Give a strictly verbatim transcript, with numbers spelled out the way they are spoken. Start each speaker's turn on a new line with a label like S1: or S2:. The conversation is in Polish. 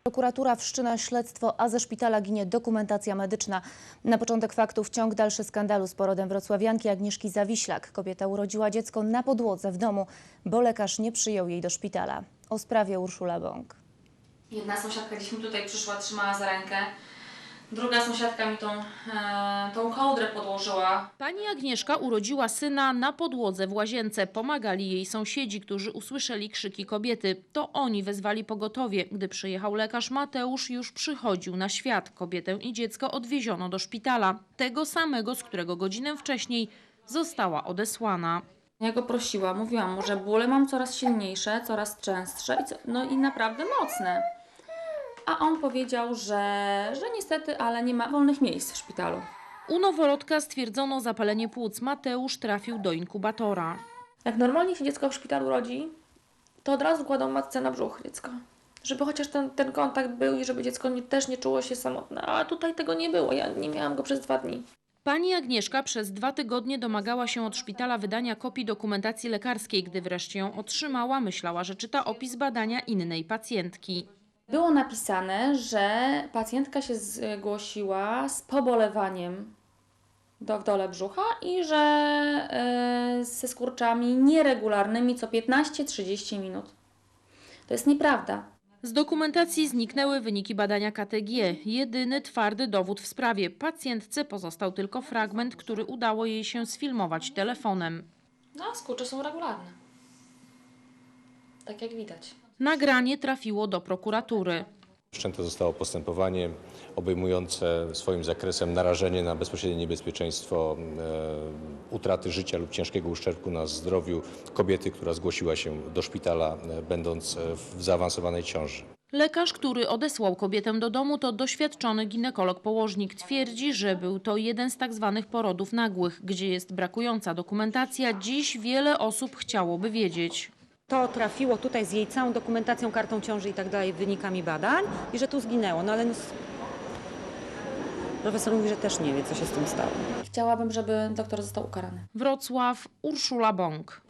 S1: Prokuratura wszczyna śledztwo, a ze szpitala ginie dokumentacja medyczna. Na początek faktów ciąg dalszy skandalu z porodem wrocławianki Agnieszki Zawiślak. Kobieta urodziła dziecko na podłodze w domu, bo lekarz nie przyjął jej do szpitala. O sprawie Urszula Bąk.
S2: Jedna sąsiadka gdzieś mi tutaj przyszła, trzymała za rękę. Druga sąsiadka mi tą, e, tą kołdrę podłożyła.
S3: Pani Agnieszka urodziła syna na podłodze w łazience. Pomagali jej sąsiedzi, którzy usłyszeli krzyki kobiety. To oni wezwali pogotowie. Gdy przyjechał lekarz Mateusz, już przychodził na świat. Kobietę i dziecko odwieziono do szpitala. Tego samego, z którego godzinę wcześniej została odesłana.
S2: Ja go prosiłam, mówiłam mu, że bóle mam coraz silniejsze, coraz częstsze i co, no i naprawdę mocne. A on powiedział, że, że niestety, ale nie ma wolnych miejsc w szpitalu.
S3: U noworodka stwierdzono zapalenie płuc. Mateusz trafił do inkubatora.
S4: Jak normalnie się dziecko w szpitalu rodzi, to od razu kładą matce na brzuch dziecko. Żeby chociaż ten, ten kontakt był i żeby dziecko nie, też nie czuło się samotne. A tutaj tego nie było, ja nie miałam go przez dwa dni.
S3: Pani Agnieszka przez dwa tygodnie domagała się od szpitala wydania kopii dokumentacji lekarskiej. Gdy wreszcie ją otrzymała, myślała, że czyta opis badania innej pacjentki.
S2: Było napisane, że pacjentka się zgłosiła z pobolewaniem do, w dole brzucha i że e, ze skurczami nieregularnymi co piętnaście trzydzieści minut. To jest nieprawda.
S3: Z dokumentacji zniknęły wyniki badania K T G. Jedyny twardy dowód w sprawie. Pacjentce pozostał tylko fragment, który udało jej się sfilmować telefonem.
S2: No, a skurcze są regularne. Tak jak widać.
S3: Nagranie trafiło do prokuratury.
S5: Wszczęte zostało postępowanie obejmujące swoim zakresem narażenie na bezpośrednie niebezpieczeństwo e, utraty życia lub ciężkiego uszczerbku na zdrowiu kobiety, która zgłosiła się do szpitala, e, będąc w zaawansowanej ciąży.
S3: Lekarz, który odesłał kobietę do domu, to doświadczony ginekolog-położnik. Twierdzi, że był to jeden z tak zwanych porodów nagłych, gdzie jest brakująca dokumentacja. Dziś wiele osób chciałoby wiedzieć.
S6: To trafiło tutaj z jej całą dokumentacją, kartą ciąży i tak dalej, wynikami badań i że tu zginęło. No ale no, profesor mówi, że też nie wie, co się z tym stało.
S2: Chciałabym, żeby doktor został ukarany.
S3: Wrocław, Urszula Bąk.